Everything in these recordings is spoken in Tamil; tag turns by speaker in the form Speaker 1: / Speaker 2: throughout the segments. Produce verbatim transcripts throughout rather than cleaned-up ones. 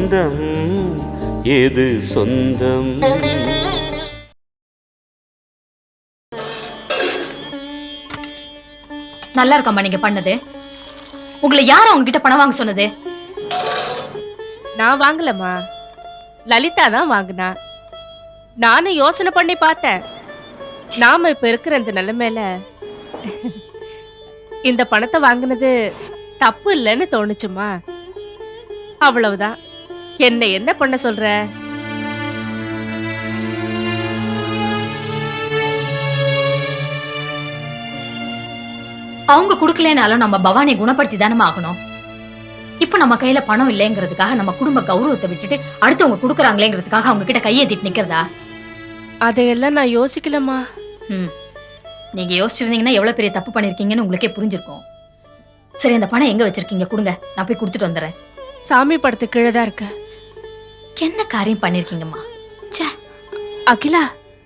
Speaker 1: பந்தம் எது சொந்தம்?
Speaker 2: நல்லா இருக்காமா நீங்க பண்ணது? உங்களை யாரும் அவங்க கிட்ட பணம் வாங்க சொன்னது?
Speaker 3: நான் வாங்கலம்மா, லலிதா தான் வாங்கினா. நானும் யோசனை பண்ணி பார்த்தேன். நாம இப்ப இருக்கிற இந்த நிலைமையில இந்த பணத்தை வாங்கினது தப்பு இல்லைன்னு தோணுச்சுமா. அவ்வளவுதான். என்ன என்ன பண்ண சொல்ற?
Speaker 2: அவங்க குடுக்கலனாலும் நம்ம பவானியை குணப்படுத்தி தானே ஆகணும். இப்ப நம்ம கையில பணம் இல்லைங்கிறதுக்காக நம்ம குடும்ப கௌரவத்தை விட்டுட்டு அடுத்தவங்க குடுக்கறாங்களேங்கிறதுக்காக அவங்க கிட்ட கையேத்திட்டு நிக்கிறதா?
Speaker 3: அதையெல்லாம் நான் யோசிக்கலம்மா.
Speaker 2: ம், நீங்க யோசிச்சிருந்தீங்கன்னா எவ்வளவு பெரிய தப்பு பண்ணிருக்கீங்கன்னு உங்களுக்கே புரிஞ்சிருக்கும். சரி, அந்த பணம் எங்க வச்சிருக்கீங்க? கொடுங்க, நான் போய் கொடுத்துட்டு வந்துடுறேன்.
Speaker 3: சாமி படத்து கீழே தான் இருக்க.
Speaker 2: என்ன காரியம் பண்ணிருக்கீங்கம்மா? ச்சே.
Speaker 3: அகிலா,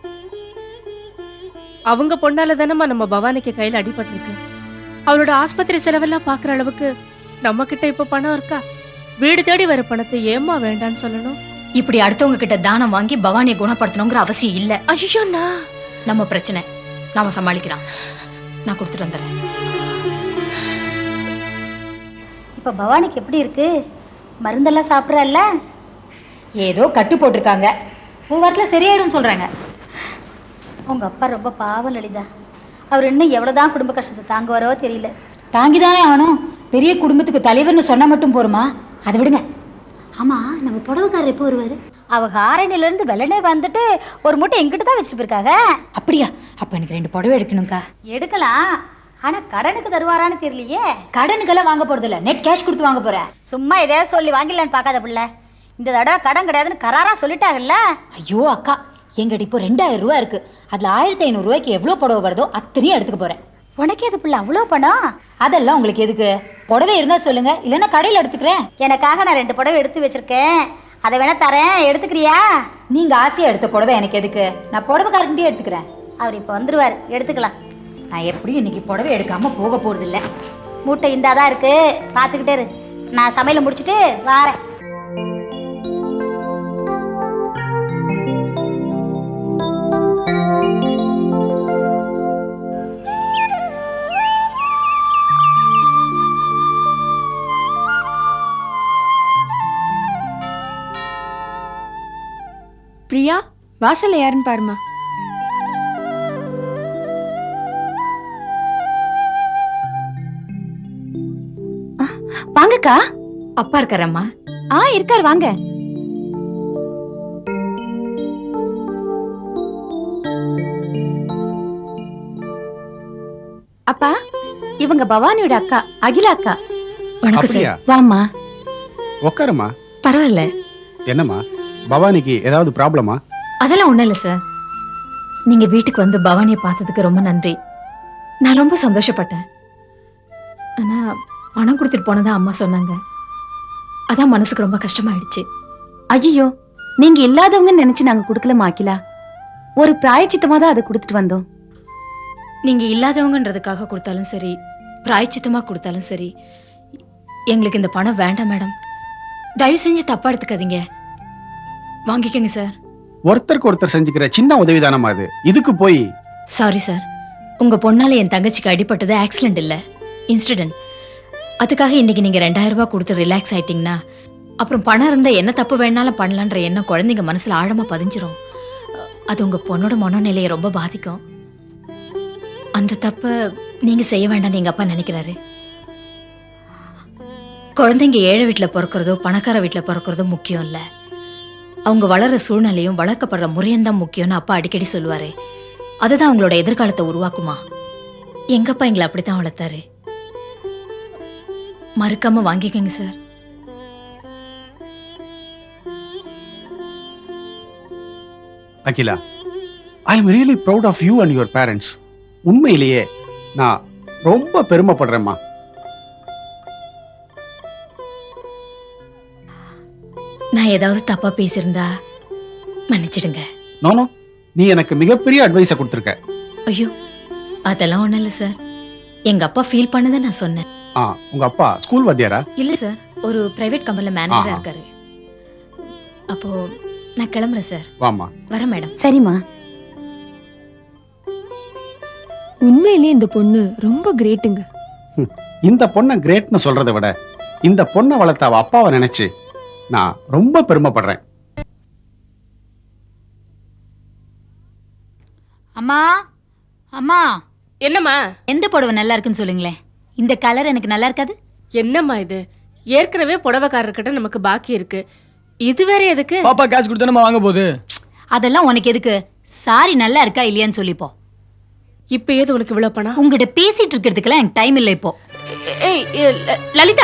Speaker 3: அவங்க பொண்ணால தானம்மா நம்ம பவானிக்கு கையில அடிபட்டிருக்கு. அவளோட ஆஸ்பத்திரி செலவெல்லாம் பாக்குற அளவுக்கு நம்ம கிட்ட இப்ப பணம் இருக்கா? வீடு தேடி வர பணத்தை ஏமா வேண்டான்னு சொல்லணும்?
Speaker 2: இப்படி அடுத்தவங்க கிட்ட தானம் வாங்கி பவானியை குணப்படுத்தணுங்கிற அவசியம் இல்ல.
Speaker 3: ஐயோ,
Speaker 2: நம்ம பிரச்சனை நாம சமாளிக்கலாம். நான் கொடுத்துட்டு வந்துடுறேன்.
Speaker 4: இப்ப பவானிக்கு எப்படி இருக்கு? மருந்தெல்லாம் சாப்பிட்றல்ல?
Speaker 2: ஏதோ கட்டு போட்டிருக்காங்க. ஒரு வாரத்தில் சரியாயிடும் சொல்றாங்க.
Speaker 4: உங்க அப்பா ரொம்ப பாவம் லலிதா. அவர் இன்னும் எவ்வளவுதான் குடும்ப கஷ்டத்தை தாங்குவாரோ தெரியல.
Speaker 5: தாங்கிதானே ஆகணும். பெரிய குடும்பத்துக்கு தலைவர்னு சொன்னா மட்டும் போருமா? அதை விடுங்க.
Speaker 4: ஆமா, நம்ம புடவைக்காரர் எப்போ வருவாரு? அவங்க ஆரணில இருந்து வெள்ளனே வந்துட்டு ஒரு மூட்டை எங்கிட்ட தான் வச்சுட்டு போயிருக்காங்க.
Speaker 5: அப்படியா? அப்ப எனக்கு ரெண்டு புடவை எடுக்கணும்க்கா.
Speaker 4: எடுக்கலாம், ஆனா கடனுக்கு தருவாரான்னு தெரியலையே.
Speaker 5: கடனுக்கெல்லாம் வாங்க போறது இல்ல, நெட் கேஷ் கொடுத்து வாங்க போறேன்.
Speaker 4: சும்மா எதையாவது சொல்லி வாங்கிடலான்னு பார்க்காத பிள்ளை. இந்த தடவை கடன் கிடையாதுன்னு கராரா சொல்லிட்டாங்கல்ல.
Speaker 5: ஐயோ அக்கா, எங்கிட்ட இப்போ ரெண்டாயிரம் ரூபா இருக்கு. அதுல ஆயிரத்தி ஐநூறு ரூபாய்க்கு எவ்வளவு புடவை வருதோ அத்தனையும் எடுத்துக்க போறேன்.
Speaker 4: உனக்கே அது பிள்ளை அவ்வளோ பணம்?
Speaker 5: அதெல்லாம் உங்களுக்கு எதுக்கு? புடவை இருந்தா சொல்லுங்க, இல்லைன்னா கடையில் எடுத்துக்கிறேன்.
Speaker 4: எனக்காக நான் ரெண்டு புடவை எடுத்து வச்சிருக்கேன், அதை வேணா தரேன், எடுத்துக்கிறியா?
Speaker 5: நீங்க ஆசையா எடுத்த புடவை எனக்கு எதுக்கு? நான் புடவைக்காரன்ட்டே எடுத்துக்கிறேன்.
Speaker 4: அவர் இப்போ வந்துருவார், எடுத்துக்கலாம்.
Speaker 5: நான் எப்படியும் இன்னைக்கு புடவை எடுக்காம போக போறது இல்லை.
Speaker 4: மூட்டை இந்தாதான் இருக்கு, பார்த்துக்கிட்டே இரு. நான் சமையலை முடிச்சுட்டு வாரேன்.
Speaker 6: பிரியா, வாசல்ல யாருன்னு பாருமா.
Speaker 5: வாங்கக்கா.
Speaker 2: அப்பா இருக்காரம்மா?
Speaker 5: ஆ, இருக்காரு, வாங்க. அப்பா, இவங்க பவானியோட அக்கா, அகிலா அக்கா.
Speaker 2: வணக்கம் சார்.
Speaker 5: வாம்மா.
Speaker 7: உட்காருமா.
Speaker 2: பரவாயில்ல.
Speaker 7: என்னம்மா, பவானிக்கு ஏதாவது ப்ராப்ளமா?
Speaker 2: அதெல்லாம் ஒண்ணும் இல்ல சார். நீங்க வீட்டுக்கு வந்து பவானியை பார்த்ததுக்கு ரொம்ப நன்றி. நான் ரொம்ப சந்தோஷப்பட்டேன். ஆனா பணம் கொடுத்துட்டு போனதா அம்மா சொன்னாங்க. அதான் மனசுக்கு ரொம்ப கஷ்டமாயிடுச்சு.
Speaker 5: ஐயோ, நீங்க இல்லாதவங்க நினைச்சு நாங்க குடுக்கலமா அகிலா. ஒரு பிராயச்சித்தமா தான் அதை கொடுத்துட்டு வந்தோம்.
Speaker 2: நீங்க இல்லாதவங்கன்றதுக்காக கொடுத்தாலும் சரி, பிராயச்சித்தமா கொடுத்தாலும் சரி, எங்களுக்கு இந்த பணம் வேண்டாம் மேடம். தயவு செஞ்சு தப்பா எடுத்துக்காதீங்க. வாங்கிக்கோங்க சார்.
Speaker 7: ஒருத்தருக்கு ஒருத்தர் செஞ்சுக்கிற சின்ன உதவிதானமா அது, இதுக்கு போய்.
Speaker 2: சாரி சார், உங்க பொண்ணால என் தங்கச்சிக்கு அடிபட்டது ஆக்சிடென்ட் இல்ல, இன்சிடென்ட். அதுக்காக இன்னைக்கு நீங்க ரெண்டாயிரம் ரூபாய் கொடுத்து ரிலாக்ஸ் ஆயிட்டீங்கன்னா அப்புறம் பணம் இருந்தா என்ன தப்பு வேணாலும் பண்ணலான்ற எண்ணம் குழந்தைங்க மனசுல ஆழமா பதிஞ்சிரும். அது உங்க பொண்ணோட மனநிலையை ரொம்ப பாதிக்கும். அந்த தப்ப நீங்க செய்ய வேண்டாம் எங்க அப்பா நினைக்கிறாரு. குழந்தைங்க ஏழை வீட்டுல பிறக்கிறதோ பணக்கார வீட்டுல பிறக்கிறதோ முக்கியம் இல்ல, அவங்க வளர்ற சூழ்நிலையும் வளர்க்கப்படுற முறையும் தான் முக்கியம்னு அப்பா அடிக்கடி சொல்லுவாரு. அதுதான் அவங்களோட எதிர்காலத்தை உருவாக்குமா. எங்கப்பா எங்களை அப்படித்தான் வளர்த்தாரு. மறுக்காம வாங்கிக்கங்க sir.
Speaker 7: Akila, I am really proud of you and your parents. உண்மையிலேயே நான் ரொம்ப பெருமைப்படுறேம்மா.
Speaker 2: நான் ஏதாவது தப்பா பேசியிருந்தா மன்னிச்சிடுங்க.
Speaker 7: நோனோ, நீ எனக்கு மிகப்பெரிய அட்வைஸை கொடுத்துருக்க.
Speaker 2: ஐயோ, அதெல்லாம் ஒண்ணும் இல்ல சார். எங்க அப்பா ஃபீல் பண்ணதை நான் சொன்னேன்.
Speaker 7: ஆ, உங்க அப்பா ஸ்கூல் வாத்தியாரா?
Speaker 2: இல்ல சார், ஒரு பிரைவேட் கம்பெனில மேனேஜரா இருக்காரு. அப்போ நான் கிளம்புறேன் சார்.
Speaker 7: வாமா.
Speaker 2: வரேன் மேடம்.
Speaker 5: சரிம்மா.
Speaker 6: உண்மையிலேயே இந்த பொண்ணு ரொம்ப கிரேட்டுங்க.
Speaker 7: இந்த பொண்ணை கிரேட்னு சொல்றதை விட இந்த பொண்ணை வளர்த்த அவ அப்பாவை நினைச்சு நான் ரொம்ப பெருமைப்படுறேன்.
Speaker 4: அம்மா அம்மா
Speaker 3: என்னம்மா
Speaker 4: எந்த புடவை நல்லா இருக்குன்னு சொல்லுங்களேன். இந்த கலர் எனக்கு நல்லா இருக்காது.
Speaker 3: என்னம்மா இது? ஏற்கனவே புடவைக்காரர்கிட்ட நமக்கு பாக்கி இருக்கு, இது வேற எதுக்கு?
Speaker 8: பாப்பா கேஷ் கொடுத்தா நம்ம வாங்க போகுது.
Speaker 4: அதெல்லாம் உனக்கு எதுக்கு? சாரி நல்லா இருக்கா இல்லையான்னு சொல்லிப்போ.
Speaker 3: இப்ப ஏது உனக்கு இவ்வளவு பணம்?
Speaker 4: உங்ககிட்ட பேசிட்டு இருக்கிறதுக்கெல்லாம் எனக்கு டைம் இல்லை இப்போ.
Speaker 3: ஏய் ஏய், ல- லலிதா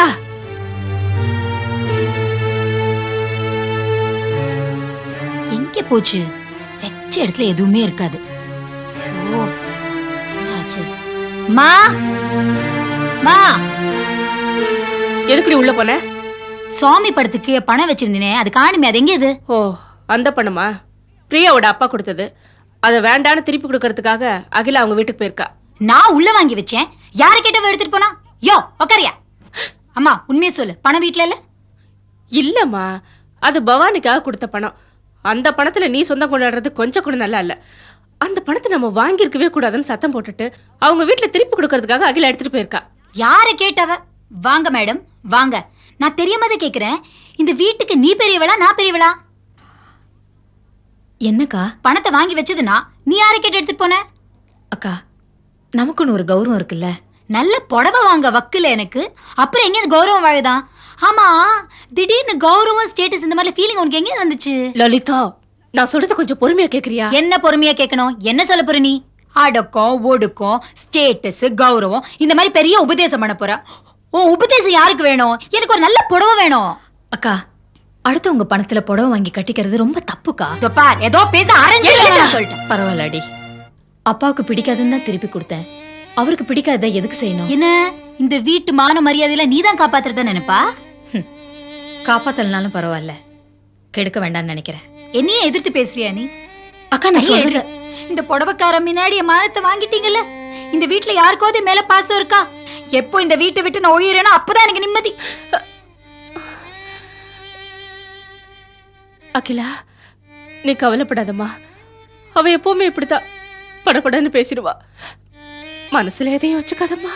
Speaker 4: எங்க போச்சு? வெச்ச இடத்துல எதுவுமே இருக்காது. ஐயோ, என்னாச்சு? மா மா
Speaker 3: எதுக்குடி உள்ள போன?
Speaker 4: சுவாமி படத்துக்கு பணம் வச்சிருந்தேனே, அது காணுமே, அது எங்க இது?
Speaker 3: ஓ, அந்த பணமா? பிரியாவோட அப்பா கொடுத்தது. அதை வேண்டான்னு திருப்பி கொடுக்கறதுக்காக அகிலா அவங்க வீட்டுக்கு போயிருக்கா.
Speaker 4: நான் உள்ள வாங்கி வச்சேன். யாரை கேட்டவ எடுத்துட்டு போனா? யோ உக்காரியா? அம்மா உண்மையை சொல்லு, பணம் வீட்டுல இல்ல?
Speaker 3: இல்லம்மா, அது பவானிக்காக கொடுத்த பணம். அந்த பணத்துல நீ சொந்தம் கொண்டாடுறது கொஞ்சம் கூட நல்லா இல்ல. அந்த பணத்தை நம்ம வாங்கியிருக்கவே கூடாதுன்னு சத்தம் போட்டுட்டு அவங்க வீட்டுல திருப்பி கொடுக்கறதுக்காக அகிலா எடுத்துட்டு போயிருக்கா.
Speaker 4: யாரை கேட்டவ? வாங்க மேடம் வாங்க. நான் தெரியாமதான் கேக்குறேன். இந்த வீட்டுக்கு நீ பெரியவளா நான் பெரியவளா?
Speaker 2: என்னக்கா?
Speaker 4: பணத்தை வாங்கி வச்சதுனா நீ யாரை கேட்டு எடுத்துட்டு போன?
Speaker 2: அக்கா, நமக்குன்னு ஒரு கௌரவம் இருக்குல்ல.
Speaker 4: நல்ல புடவை வாங்க வக்குல எனக்கு, அப்புறம் எங்க கௌரவம் வாழுதான்? ஆமா, திடீர்னு கௌரவம் ஸ்டேட்டஸ் இந்த மாதிரி ஃபீலிங் உனக்கு எங்க வந்துச்சு?
Speaker 3: லலிதா, நான் சொல்றது கொஞ்சம் பொறுமையா கேக்குறியா?
Speaker 4: என்ன பொறுமையா கேட்கணும்? என்ன சொல்ல போற நீ? அடக்கம் ஒடுக்கம் ஸ்டேட்டஸ் கௌரவம் இந்த மாதிரி பெரிய உபதேசம் பண்ண போற. ஓ, உபதேசம் யாருக்கு வேணும்? எனக்கு ஒரு நல்ல புடவை வேணும்.
Speaker 2: அக்கா, அடுத்து உங்க பணத்துல புடவை வாங்கி கட்டிக்கிறது ரொம்ப தப்புக்கா.
Speaker 4: இதோ பார், ஏதோ பேச ஆரம்பிச்சு சொல்லிட்டேன்.
Speaker 2: பரவாயில்லடி, அப்பாவுக்கு பிடிக்காதுன்னு தான் திருப்பி கொடுத்தேன். அவருக்கு பிடிக்காத எதுக்கு செய்யணும்?
Speaker 4: என்ன இந்த வீட்டு மான மரியாதையில நீதான் காப்பாத்துறத நினைப்பா?
Speaker 2: காப்பாத்தலனாலும் பரவாயில்ல, கெடுக்க வேண்டாம்னு நினைக்கிறேன்.
Speaker 4: என்னையே எதிர்த்து பேசுறியா நீ?
Speaker 2: அக்கா, நான்
Speaker 4: ஐயே,
Speaker 2: சொல்றேன்.
Speaker 4: இந்த புடவைக்கார முன்னாடி என் மானத்தை வாங்கிட்டீங்கல்ல. இந்த வீட்டுல யாருக்காவது மேல பாசம் இருக்கா? எப்போ இந்த வீட்டை விட்டு நான் ஒழியறேனோ அப்பதான் எனக்கு நிம்மதி.
Speaker 3: அகிலா, நீ கவலைப்படாதம்மா. அவ எப்பவுமே இப்படித்தான் படபடன்னு பேசிடுவா. மனசுல எதையும் வச்சுக்காதம்மா.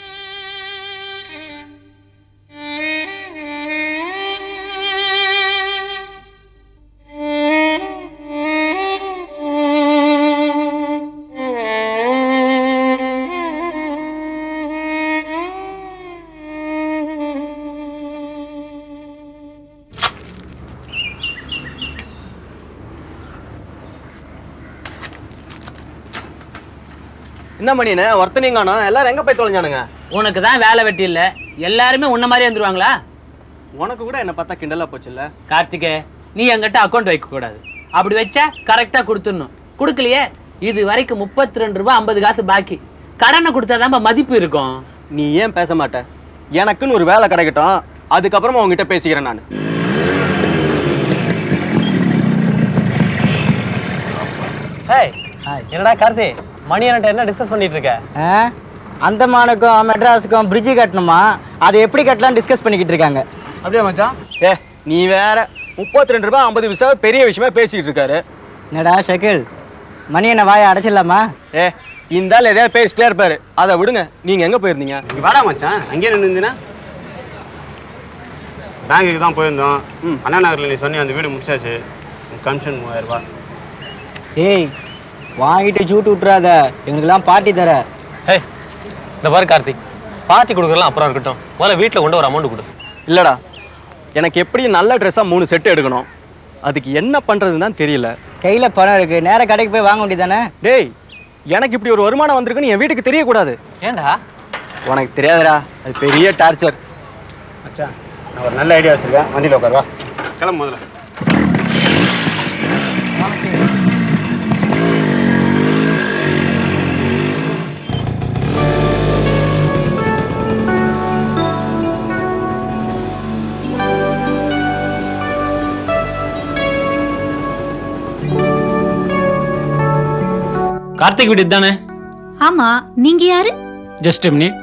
Speaker 9: என்ன மணினே ஒருத்தனையும் காணோம், எல்லாரும் எங்க போய் தொலைஞ்சானுங்க?
Speaker 10: உனக்கு தான் வேலை வெட்டி இல்ல, எல்லாருமே உன்ன மாதிரி வந்துருவாங்களா?
Speaker 9: உனக்கு கூட என்ன பார்த்தா கிண்டலா போச்சுல்ல?
Speaker 10: கார்த்திகே, நீ என்கிட்ட அக்கௌண்ட் வைக்க கூடாது. அப்படி வச்சா கரெக்டா கொடுத்துடணும். கொடுக்கலையே, இது வரைக்கும் முப்பத்தி ரெண்டு ரூபாய் ஐம்பது காசு பாக்கி. கடனை கொடுத்தாதான் மதிப்பு இருக்கும்.
Speaker 9: நீ ஏன் பேச மாட்ட? எனக்குன்னு ஒரு வேலை கிடைக்கட்டும், அதுக்கப்புறமா உங்ககிட்ட பேசிக்கிறேன் நான்.
Speaker 11: என்னடா கார்த்தி, மணி என்ன டிஸ்கஸ் பண்ணிட்டு இருக்க?
Speaker 8: அந்தமானுக்கும் மெட்ராஸுக்கும் பிரிட்ஜு கட்டணுமா, அதை எப்படி கட்டலாம் டிஸ்கஸ் பண்ணிக்கிட்டு இருக்காங்க.
Speaker 11: அப்படியே மச்சான்?
Speaker 9: ஏ நீ வேற, முப்பத்தி ரெண்டு ரூபாய் ஐம்பது பைசா பெரிய விஷயமா பேசிக்கிட்டு இருக்காரு.
Speaker 8: என்னடா ஷக்கில், மணி என்ன வாயை அடைச்சிடலாமா?
Speaker 9: ஏ இந்த ஆள் எதையாவது பேசிட்டே இருப்பாரு, அதை விடுங்க. நீங்க எங்க போயிருந்தீங்க?
Speaker 7: நீ வாடா மச்சான், அங்கேயே நின்றுனா பேங்குக்கு தான் போயிருந்தோம். அண்ணா நகரில் நீ சொன்னி அந்த வீடு முடிச்சாச்சு. கமிஷன் மூவாயிரம் ரூபாய்.
Speaker 8: ஏய் வாங்கிட்டு சூட்டு விட்டுறாத, எங்களுக்கெல்லாம் பார்ட்டி தர.
Speaker 11: ஏய் இந்த பாரு கார்த்திக், பார்ட்டி கொடுக்குறலாம் அப்புறம் இருக்கட்டும், முதல்ல வீட்டில் கொண்டு ஒரு அமௌண்ட் கொடு.
Speaker 9: இல்லடா, எனக்கு எப்படி நல்ல ட்ரெஸ்ஸாக மூணு செட்டு எடுக்கணும், அதுக்கு என்ன பண்ணுறதுன்னு தான் தெரியல.
Speaker 8: கையில் பணம் இருக்கு, நேராக கடைக்கு போய் வாங்க வேண்டியதானே?
Speaker 9: டேய், எனக்கு இப்படி ஒரு வருமானம் வந்திருக்குன்னு என் வீட்டுக்கு தெரியக்கூடாது.
Speaker 11: ஏண்டா?
Speaker 9: உனக்கு தெரியாதுடா, அது பெரிய டார்ச்சர்.
Speaker 7: மச்சான், நான் ஒரு நல்ல ஐடியா வச்சிருக்கேன், வண்டியில் உட்காருவா. கிளம்பு முதல்ல.
Speaker 10: கார்த்திக் வீடு தானே?
Speaker 4: ஆமா, நீங்க யாரு?
Speaker 10: Just minute.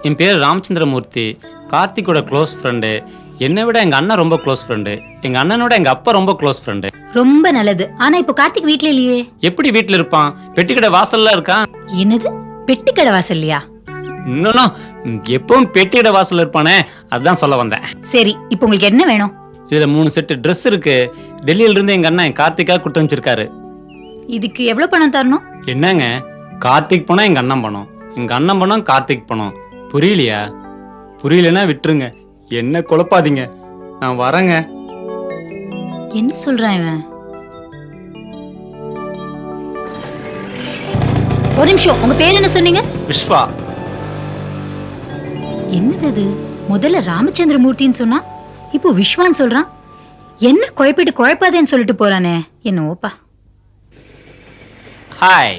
Speaker 11: என் பேர் ராமச்சந்திரமூர்த்தி, கார்த்திக்கோட க்ளோஸ் ஃப்ரெண்டு. என்னை விட எங்கள் அண்ணன் ரொம்ப க்ளோஸ் ஃப்ரெண்டு. எங்கள் அண்ணனோட எங்கள் அப்பா ரொம்ப க்ளோஸ் ஃப்ரெண்டு.
Speaker 4: ரொம்ப நல்லது. ஆனா இப்போ கார்த்திக் வீட்ல இல்லையே.
Speaker 11: எப்படி வீட்டில் இருப்பான்? பெட்டிக்கடை வாசல்ல இருக்கான்.
Speaker 4: என்னது, பெட்டி கடை வாசல்லையா?
Speaker 11: இன்னும் எப்பவும் பெட்டிக்கடை வாசல்ல இருப்பானே, அதுதான் சொல்ல வந்தேன்.
Speaker 4: சரி, இப்போ உங்களுக்கு என்ன வேணும்?
Speaker 11: இதுல மூணு செட்டு ட்ரெஸ் இருக்கு. டெல்லியில இருந்து எங்க அண்ணன் கார்த்திகா கொடுத்து வச்சிருக்காரு.
Speaker 4: இதுக்கு எவ்வளவு பணம் தரணும்?
Speaker 11: என்னங்க, கார்த்திக் பணம் எங்க அண்ணன் பணம், எங்க அண்ணன் பணம் கார்த்திக் பணம். புரியலையா? புரியலன்னா விட்டுருங்க, என்ன குழப்பாதீங்க. நான் வரேங்க.
Speaker 4: என்ன சொல்றான் இவன்? ஒரு நிமிஷம், உங்க பேர் என்ன சொன்னீங்க?
Speaker 11: விஸ்வா.
Speaker 4: என்னது அது? முதல்ல ராமச்சந்திரமூர்த்தின்னு சொன்னா இப்போ விஸ்வான்னு சொல்றான். என்ன குழப்பிட்டு குழப்பாதேன்னு சொல்லிட்டு போறானே. என்ன ஓப்பா.
Speaker 11: ஹாய்.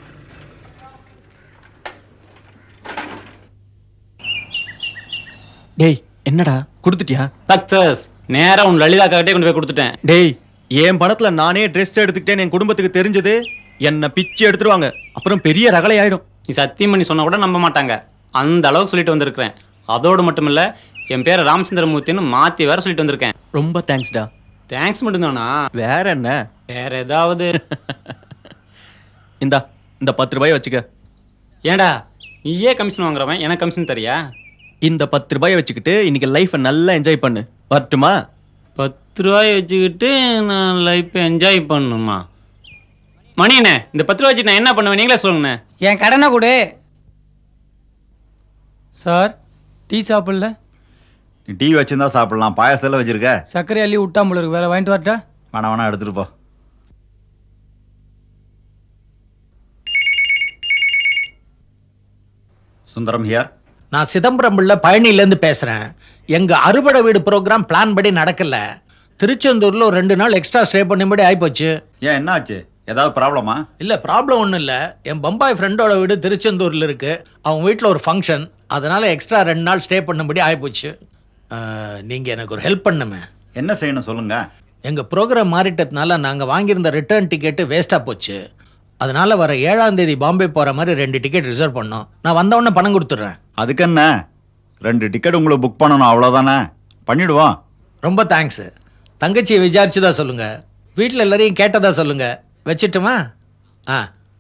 Speaker 9: டேய், என்னடா கொடுத்துட்டியா?
Speaker 11: சக்சஸ். நேரா உன் லலிதா கிட்டே கொண்டு போய் கொடுத்துட்டேன்.
Speaker 9: டேய், என் பணத்துல நானே ட்ரெஸ் எடுத்துக்கிட்டேன் என் குடும்பத்துக்கு தெரிஞ்சது, என்ன பிச்சு எடுத்துருவாங்க. அப்புறம் பெரிய ரகளை ஆயிடும்.
Speaker 11: நீ சத்தியம் பண்ணி சொன்னா கூட நம்ப மாட்டாங்க. அந்த அளவுக்கு சொல்லிட்டு வந்திருக்கிறேன். அதோடு மட்டும் இல்ல, என் பேரை ராமச்சந்திரமூர்த்தின்னு மாத்தி வேற சொல்லிட்டு வந்திருக்கேன்.
Speaker 9: ரொம்ப தேங்க்ஸ்டா.
Speaker 11: தேங்க்ஸ் மட்டும்தானா?
Speaker 9: வேற என்ன?
Speaker 11: வேற ஏதாவது?
Speaker 9: இந்தா, இந்த பத்து ரூபாய் வச்சுக்க.
Speaker 11: ஏண்டா, நீயே கமிஷன் வாங்குறவன், எனக்கு கமிஷன் தரியா?
Speaker 9: இந்த பத்து ரூபாய் வச்சுக்கிட்டு இன்னைக்கு லைஃபை நல்லா என்ஜாய் பண்ணு. வரட்டுமா?
Speaker 11: பத்து ரூபாய் வச்சுக்கிட்டு நான் லைஃப்பை என்ஜாய் பண்ணணுமா? மணியண்ணே, இந்த பத்து ரூபாய் வச்சு நான் என்ன பண்ணுவேன் நீங்களே சொல்லுங்கண்ணே.
Speaker 8: என் கடனை கொடு.
Speaker 12: சார், டீ சாப்பிடல?
Speaker 13: நீ டீ வச்சுருந்தா சாப்பிடலாம், பாயசத்தில் வச்சிருக்க.
Speaker 12: சர்க்கரை அள்ளி விட்டாமல் இருக்கு, வேற வாங்கிட்டு வரட்டா?
Speaker 13: வேணா வேணா எடுத்துட்டு போ. சுந்தரம் ஹியர்.
Speaker 14: நான் சிதம்பரம் பிள்ளை பழனியிலேருந்து பேசுகிறேன். எங்கள் அறுபடை வீடு ப்ரோக்ராம் பிளான் படி நடக்கல. திருச்செந்தூரில் ஒரு ரெண்டு நாள் எக்ஸ்ட்ரா ஸ்டே பண்ணும்படி ஆகிப்போச்சு.
Speaker 13: ஏன், என்ன ஆச்சு? ஏதாவது ப்ராப்ளமா?
Speaker 14: இல்லை, ப்ராப்ளம் ஒன்றும் இல்லை. என் பம்பாய் ஃப்ரெண்டோட வீடு திருச்செந்தூரில் இருக்குது. அவங்க வீட்டில் ஒரு ஃபங்க்ஷன், அதனால் எக்ஸ்ட்ரா ரெண்டு நாள் ஸ்டே பண்ணும்படி ஆகிப்போச்சு. நீங்கள் எனக்கு ஒரு ஹெல்ப் பண்ணுமே.
Speaker 13: என்ன செய்யணும் சொல்லுங்க.
Speaker 14: எங்கள் ப்ரோக்ராம் மாறிட்டதுனால நாங்கள் வாங்கியிருந்த ரிட்டர்ன் டிக்கெட்டு வேஸ்ட்டாக போச்சு. அதனால வர ஏழாம் தேதி பாம்பே போகிற மாதிரி ரெண்டு டிக்கெட் ரிசர்வ் பண்ணோம். நான் வந்த உடனே பணம் கொடுத்துட்றேன்.
Speaker 13: அதுக்கு என்ன, ரெண்டு டிக்கெட் உங்களுக்கு புக் பண்ணணும், அவ்வளோதானே. பண்ணிடுவோம்.
Speaker 14: ரொம்ப தேங்க்ஸு. தங்கச்சியை விசாரிச்சுதா சொல்லுங்கள். வீட்டில் எல்லாரையும் கேட்டதா சொல்லுங்கள். வச்சிட்டுமா? ஆ.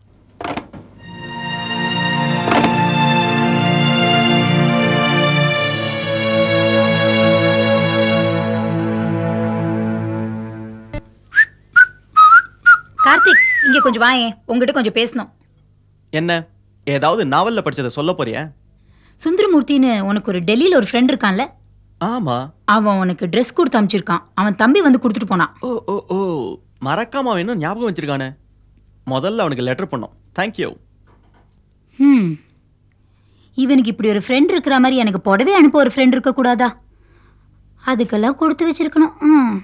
Speaker 4: கார்த்திக், இங்க கொஞ்சம் வாயே, உங்ககிட்ட கொஞ்சம் பேசணும்.
Speaker 9: என்ன, ஏதாவது நாவல்ல படிச்சதை சொல்ல போறியா?
Speaker 4: சுந்தரமூர்த்தின்னு உனக்கு ஒரு டெல்லியில ஒரு ஃப்ரெண்ட் இருக்கான்ல?
Speaker 9: ஆமா.
Speaker 4: அவன் உனக்கு ட்ரெஸ் கொடுத்து அனுப்பிச்சிருக்கான். அவன் தம்பி வந்து கொடுத்துட்டு போனான்.
Speaker 9: ஓ ஓ ஓ மறக்காம அவன் இன்னும் ஞாபகம் வச்சிருக்கானே. முதல்ல அவனுக்கு லெட்டர் பண்ணோம். தேங்க்யூ.
Speaker 4: ம், இவனுக்கு இப்படி ஒரு ஃப்ரெண்ட் இருக்கிற மாதிரி எனக்கு புடவை அனுப்ப ஒரு ஃப்ரெண்ட் இருக்க கூடாதா? அதுக்கெல்லாம் கொடுத்து வச்சிருக்கணும். ம்.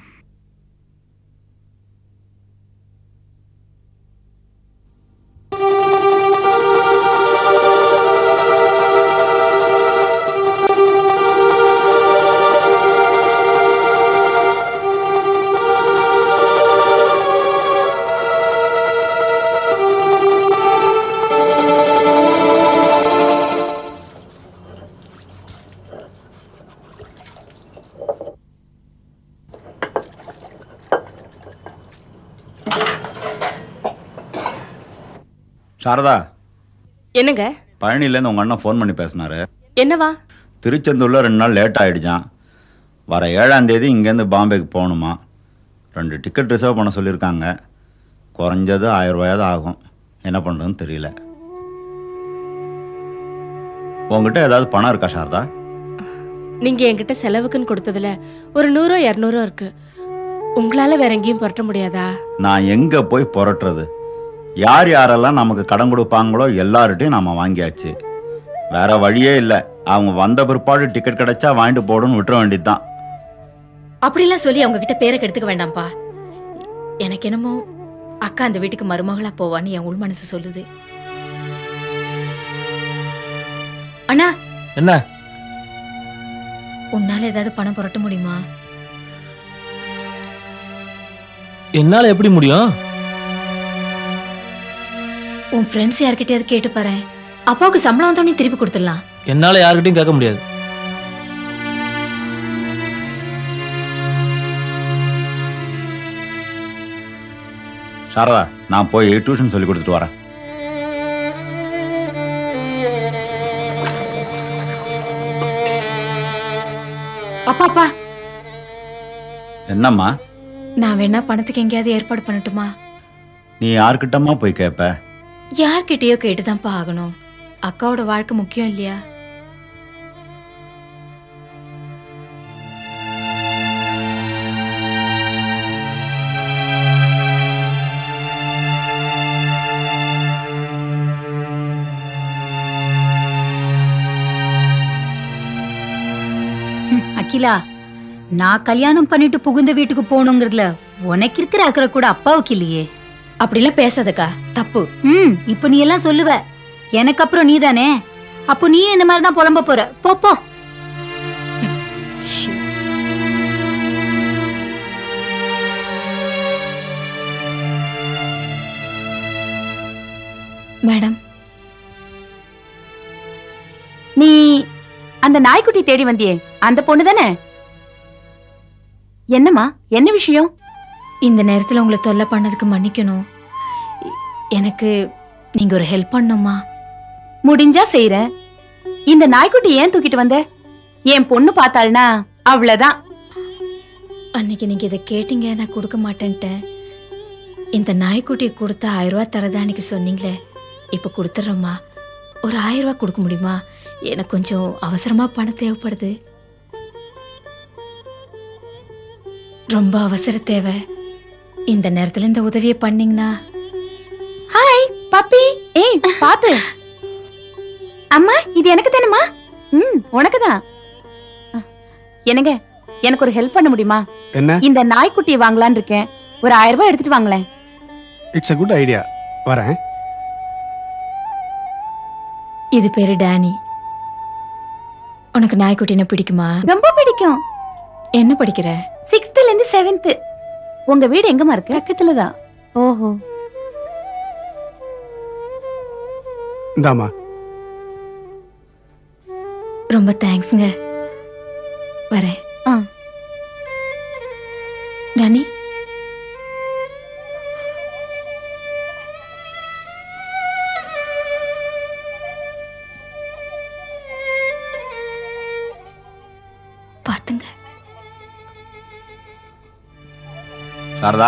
Speaker 13: சாரதா.
Speaker 3: என்னங்க?
Speaker 13: பழனிலேருந்து உங்கள் அண்ணன் ஃபோன் பண்ணி பேசினாரு.
Speaker 3: என்னவா?
Speaker 13: திருச்செந்தூரில் ரெண்டு நாள் லேட் ஆகிடுச்சான். வர ஏழாம் தேதி இங்கேருந்து பாம்பேக்கு போகணுமா. ரெண்டு டிக்கெட் ரிசர்வ் பண்ண சொல்லியிருக்காங்க. குறைஞ்சது ஆயிரம் ரூபாயாவது ஆகும். என்ன பண்ணுறதுன்னு தெரியல. உங்ககிட்ட ஏதாவது பணம் இருக்கா சாரதா?
Speaker 3: நீங்க என்கிட்ட செலவுக்குன்னு கொடுத்ததுல ஒரு நூறோ இரநூறோ இருக்கு. உங்களால வேற எங்கேயும் புரட்ட முடியாதா?
Speaker 13: நான் எங்கே போய் புரட்டுறது? யார் யாரெல்லாம் நமக்கு கடன் கொடுப்பாங்களோ எல்லார்ட்டையும் நம்ம வாங்கியாச்சு. வேற வழியே இல்லை. அவங்க வந்த பிற்பாடு டிக்கெட் கிடைச்சா வாங்கிட்டு போடுன்னு விட்டுற வேண்டியது தான்.
Speaker 2: அப்படிலாம் சொல்லி அவங்க கிட்ட பேரை கெடுத்துக்க வேண்டாம்ப்பா. எனக்கு என்னமோ அக்கா அந்த வீட்டுக்கு மருமகளா போவான்னு என் உள் மனசு சொல்லுது. அண்ணா.
Speaker 12: என்ன?
Speaker 2: உன்னால ஏதாவது பணம் புரட்ட முடியுமா?
Speaker 12: என்னால எப்படி முடியும்?
Speaker 2: உன் ஃப்ரெண்ட்ஸ் யார்கிட்டயாவது கேட்டு பாரு. அப்பாவுக்கு சம்பளம் வந்தோடனே திருப்பி கொடுத்துடலாம்.
Speaker 12: என்னால யாருக்கிட்டையும் கேட்க முடியாது.
Speaker 13: சாரதா, நான் போய் டியூஷன் சொல்லி கொடுத்துட்டு வரேன்.
Speaker 2: அப்பா அப்பா,
Speaker 13: என்னம்மா?
Speaker 2: நான் வேணா பணத்துக்கு எங்கேயாவது ஏற்பாடு பண்ணட்டுமா?
Speaker 13: நீ யார்கிட்டம்மா போய் கேட்ப?
Speaker 2: யார்கிட்டயோ கேட்டுதான்ப்பா ஆகணும். அக்காவோட வாழ்க்கை முக்கியம் இல்லையா?
Speaker 4: அகிலா, நான் கல்யாணம் பண்ணிட்டு புகுந்த வீட்டுக்கு போகணுங்கிறதுல உனக்கு இருக்கிற அக்கறை கூட அப்பாவுக்கு இல்லையே.
Speaker 2: அப்படிலாம் பேசாதக்கா, தப்பு.
Speaker 4: ம் இப்ப நீ எல்லாம் சொல்லுவ, எனக்கு அப்புறம் நீ தானே. அப்போ நீ இந்த மாதிரி தான் புலம்ப போற. போ போ.
Speaker 2: மேடம்,
Speaker 5: நீ அந்த நாய்க்குட்டி தேடி வந்தியே, அந்த பொண்ணு தானே? என்னம்மா, என்ன விஷயம்?
Speaker 2: இந்த நேரத்துல உங்களை தொல்லை பண்ணதுக்கு மன்னிக்கணும். எ- எனக்கு நீங்க ஒரு ஹெல்ப் பண்ணணுமா?
Speaker 5: முடிஞ்சா செய்யறேன். இந்த நாய்க்குட்டி ஏன் தூக்கிட்டு வந்த? என் பொண்ணு பார்த்தாள்னா அவ்வளவுதான்.
Speaker 2: அன்னைக்கு நீங்க இதை கேட்டீங்க, நான் கொடுக்க மாட்டேன்ட்டேன். இந்த நாய்க்குட்டியை கொடுத்தா ஆயிரம் ரூபாய் தரதா அன்னைக்கு சொன்னீங்களே, இப்ப கொடுத்துட்றோம்மா. ஒரு ஆயிரம் ரூபாய் கொடுக்க முடியுமா? எனக்கு கொஞ்சம் அவசரமா பணம் தேவைப்படுது. ரொம்ப அவசர தேவை. இந்த நேரத்துல இந்த உதவியை பண்ணீங்கன்னா.
Speaker 5: ஹாய் பாப்பி. ஏய் பாத்து. அம்மா, இது எனக்கு தானேம்மா? ம் உனக்குதான். என்னங்க, எனக்கு ஒரு ஹெல்ப் பண்ண முடியுமா?
Speaker 7: என்ன?
Speaker 5: இந்த நாய்க்குட்டியை வாங்கலான்னு இருக்கேன். ஒரு ஆயிரம் ரூபாய் எடுத்துட்டு வாங்களேன்.
Speaker 7: It's a good idea. வரேன்.
Speaker 2: இது பேரு டேனி. உனக்கு நாய்க்குட்டின பிடிக்குமா?
Speaker 5: ரொம்ப பிடிக்கும்.
Speaker 2: என்ன படிக்கிற?
Speaker 5: சிக்ஸ்த்ல இருந்து செவன்த். உங்க வீடு எங்கம்மா இருக்கு? பக்கத்துல தான். ஓஹோ.
Speaker 7: இந்தாம்மா.
Speaker 2: ரொம்ப தேங்க்ஸ்ங்க. வரேன்.
Speaker 5: ஆ.
Speaker 2: டேனி, பாத்துங்க.
Speaker 13: சாரதா,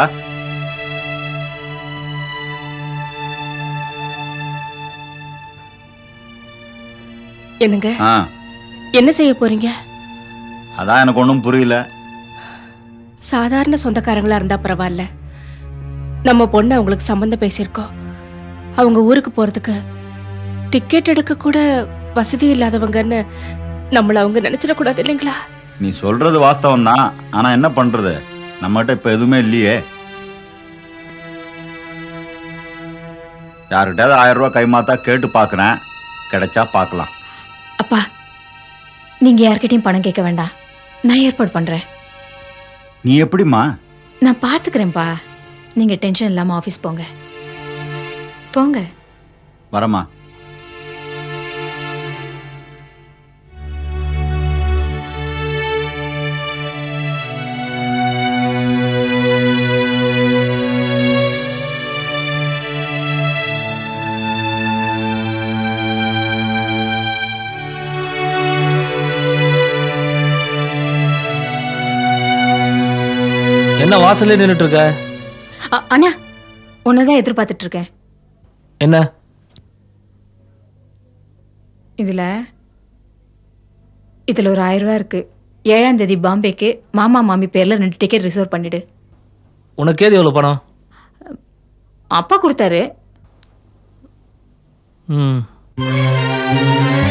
Speaker 3: என்னங்க,
Speaker 13: ஆ
Speaker 3: என்ன செய்ய போறீங்க?
Speaker 13: அதான் எனக்கு ஒன்றும் புரியல.
Speaker 3: சாதாரண சொந்தக்காரங்களா இருந்தா பரவாயில்ல. நம்ம பொண்ணு அவங்களுக்கு சம்பந்தம் பேசியிருக்கோம். அவங்க ஊருக்கு போறதுக்கு டிக்கெட் எடுக்க கூட வசதி இல்லாதவங்கன்னு நம்மள அவங்க நினைச்சிடக்கூடாது இல்லைங்களா?
Speaker 13: நீ சொல்றது வாஸ்தவம் தான். ஆனா என்ன பண்றது, நம்மகிட்ட இப்ப எதுவுமே இல்லையே. யாருக்கிட்டாவது ஆயிரம் ரூபாய் கைமாத்தா கேட்டு பாக்குறேன், கிடைச்சா பார்க்கலாம்.
Speaker 2: அப்பா, நீங்க யார்கிட்டயும் பணம் கேட்க வேண்டாம், நான் ஏற்பாடு பண்றேன்.
Speaker 13: நீ எப்படிம்மா?
Speaker 2: நான் பாத்துக்கிறேன்ப்பா. நீங்க டென்ஷன் இல்லாம ஆபீஸ் போங்க. போங்க.
Speaker 13: வரமா.
Speaker 12: என்ன வாசல்ல நின்னுட்டு இருக்க?
Speaker 2: அ- அண்ணா, உன்னதான் எதிர்பார்த்துட்டு இருக்கேன்.
Speaker 12: என்ன?
Speaker 2: இதுல இதுல ஒரு ஆயிரம் ரூபாய் இருக்கு. ஏழாம் தேதி பாம்பேக்கு மாமா மாமி பேர்ல ரெண்டு டிக்கெட் ரிசர்வ் பண்ணிடு.
Speaker 12: உனக்கு ஏது எவ்வளவு பணம்?
Speaker 2: அப்பா கொடுத்தாரு.
Speaker 12: ம்